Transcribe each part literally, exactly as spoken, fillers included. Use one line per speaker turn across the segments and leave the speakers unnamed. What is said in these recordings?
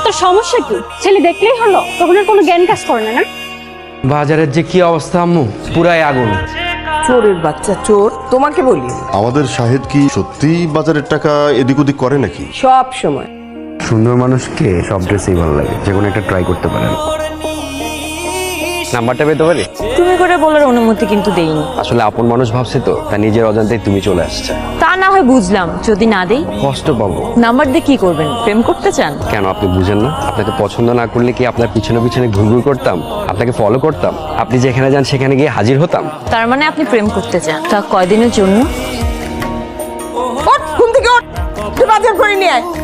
তোর সমস্যা কি? ছেলে দেখলেই হলো, তখন আর কোনো জ্ঞান কাজ করে না না?
বাজারের যে কি অবস্থা আম্মু, পুরাই আগুন।
চোরের বাচ্চা চোর, তোমাকে বলি
আমাদের শাহেদ কি সত্যিই বাজারের টাকা এদিক ওদিক করে নাকি?
সব সময়।
সুন্দর মানুষকে সব ড্রেসেই ভালো লাগে, যে কোনো একটা ট্রাই করতে পারেন। নাম্বারটা পেতে পারি?
তুমি করে বলার অনুমতি কিন্তু দেইনি।
আসলে আপন মানুষ ভাবছে তো, তা নিজের অজান্তেই তুমি চলে আসছে।
তা না হয় বুঝলাম, যদি না দেই
কষ্ট পাবো।
নাম্বার দিয়ে কি করবেন? প্রেম করতে চান?
কেন আপনি বুঝেন না? আপনাকে পছন্দ না করলে কি আপনার পিছনে পিছনে ঘুরঘুর করতাম? আপনাকে ফলো করতাম? আপনি যেখানে যান সেখানে গিয়ে হাজির হতাম?
তার মানে আপনি প্রেম করতে চান? তা কয়দিনের জন্য?
ওঠ, ঘুম থেকে ওঠ, তুই বাজার করে নিয়ে আয়।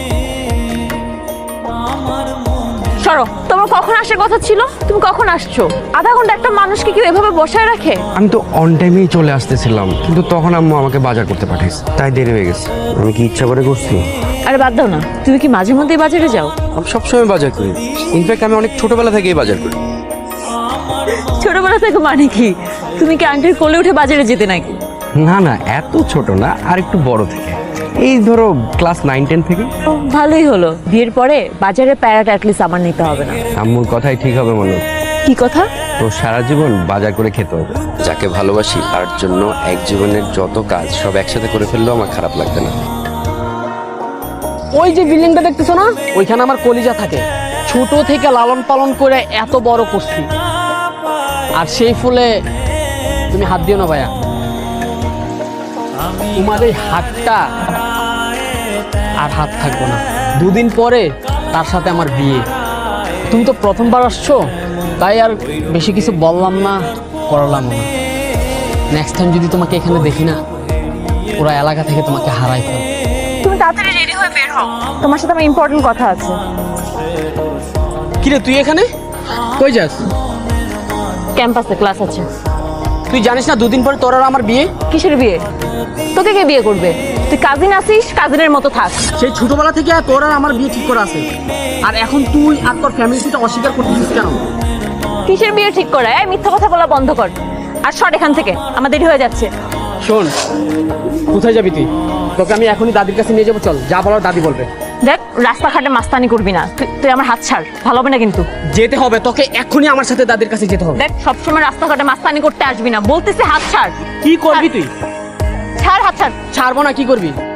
সরো, তোমার কখন আসার কথা ছিল? তুমি কখন আসছো? আধা ঘন্টা একটা মানুষকে কেউ এভাবে বসায় রাখে?
আমি তো অন টাইমেই চলে আসতেছিলাম, কিন্তু তখন আম্মু আমাকে বাজার করতে পাঠাইছে, তাই দেরি হয়ে গেছে। আমি কি ইচ্ছা করে করছি?
আরে বাদ দাও না, তুমি কি মাঝে মধ্যেই বাজারে যাও?
আমি সবসময় বাজার করি, ইনফ্যাক্ট আমি অনেক ছোটবেলা থেকেই বাজার করি।
ছোটবেলা থেকে মানে কি? তুমি কি আন্টির কোলে উঠে বাজারে যেতে নাকি?
না না, এত ছোট না, আর একটু বড় থেকে, এই ধরো ক্লাস নাইন টেন থেকে।
ও, ভালোই হলো, বিয়ের পরে বাজারে প্যারাটা অ্যাটলিস্ট আমার নিতে হবে না।
আম্মুর কথাই ঠিক হবে মনে।
কি কথা?
তো সারা জীবন বাজার করে খেতে হবে। যাকে ভালোবাসি তার জন্য এক জীবনের যত কাজ সব একসাথে করে ফেললেও আমার খারাপ লাগবে না।
ওই যে বিল্ডিংটা দেখতেছো না, ওইখানে আমার কলিজা থাকে। ছোট থেকে লালন পালন করে এত বড় করছি, আর সেই ফুলে তুমি হাত দিও না ভাইয়া। তোমার এই হাতটা আর হাত থাকবো না। দুদিন পরে তার সাথে আমার বিয়ে। তুমি তো প্রথমবার আসছো, তাই আর বেশি কিছু বললাম না, করলাম না। নেক্সট টাইম যদি তোমাকে এখানে দেখি না, পুরো এলাকা থেকে তোমাকে হারাই ফেল।
তুমি তাড়াতাড়ি রেডি হয়ে বের হও, তোমার সাথে আমার ইম্পর্টেন্ট কথা আছে।
কিরে তুই এখানে কই যাস?
ক্যাম্পাসে ক্লাস আছে।
তুই জানিস না দুদিন পরে তোর আর আমার বিয়ে?
কিসের বিয়ে? তোকে কে বিয়ে করবে? তুই কাজিন আসিস, কাজিনের মতো থাক।
সেই ছোটবেলা থেকে তোর আর আমার বিয়ে ঠিক করা আছে, আর এখন তুই আর তোর ফ্যামিলি সেটা অস্বীকার করতেছিস কেন?
কিসের বিয়ে ঠিক করা? এই মিথ্যা কথা বলা বন্ধ কর, আর সর এখান থেকে, আমার দেরি হয়ে যাচ্ছে।
শোন, কোথায় যাবি তুই? তোকে আমি এখনই দাদির কাছে নিয়ে যাবো, চল, যা বলার দাদি বলবে।
দেখ, রাস্তাঘাটে মাস্তানি করবি না, তুই তুই আমার হাত ছাড়, ভালো হবে না কিন্তু।
যেতে হবে তোকে, এক্ষুনি আমার সাথে দাদির কাছে যেতে হবে।
দেখ, সবসময় রাস্তাঘাটে মাস্তানি করতে আসবি না, বলতেছি হাত ছাড়।
কি করবি তুই?
ছাড়, হাত ছাড়।
ছাড়বো না, কি করবি?